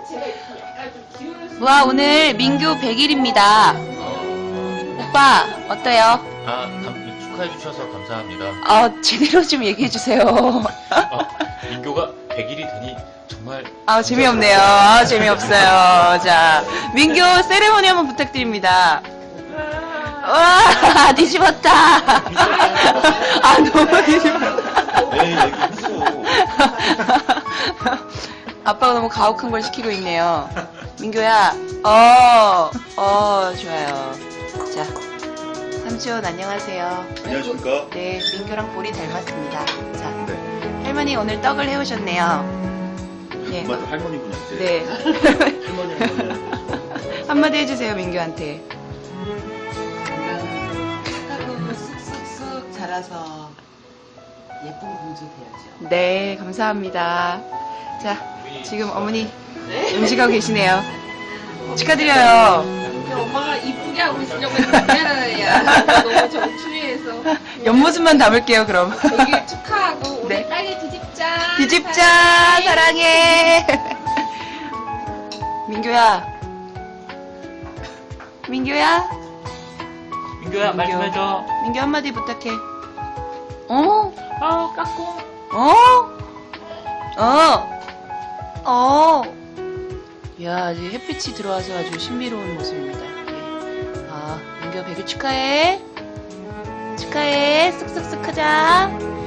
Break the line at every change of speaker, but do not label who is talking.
와, 오늘 민규 100일입니다. 오빠, 어때요?
축하해 주셔서 감사합니다.
제대로 좀 얘기해 주세요.
민교가 100일이 되니 정말
재미없네요. 재미없어요. 자, 민규 세레모니 한번 부탁드립니다. 와, 뒤집었다. 너무 뒤집었다.
네, 무서워.
아빠가 너무 가혹한 걸 시키고 있네요. 민규야, 좋아요. 자, 삼촌 안녕하세요.
안녕하십니까?
네, 민규랑 볼이 닮았습니다. 자,
네.
할머니 오늘 떡을 해오셨네요. 네.
맞아, 할머니구나, 이제.
네.
할머니.
한마디 해주세요, 민규한테.
착하고 쑥쑥쑥 자라서 예쁜 공주 돼야죠.
네, 감사합니다. 자, 지금 어머니 음식하고 계시네요. 축하드려요.
엄마가 이쁘게 하고 있으려고 했는데 야 너무 정추리해서
옆모습만 담을게요, 그럼.
100일 축하하고 우리
네.
딸기 뒤집자.
뒤집자, 사랑해. 민규야. 민규야?
민교야, 말씀해줘.
민규 한마디 부탁해.
까꿍.
야, 이제 햇빛이 들어와서 아주 신비로운 모습입니다. 네. 민규 100일 축하해. 축하해. 쓱쓱쓱 하자.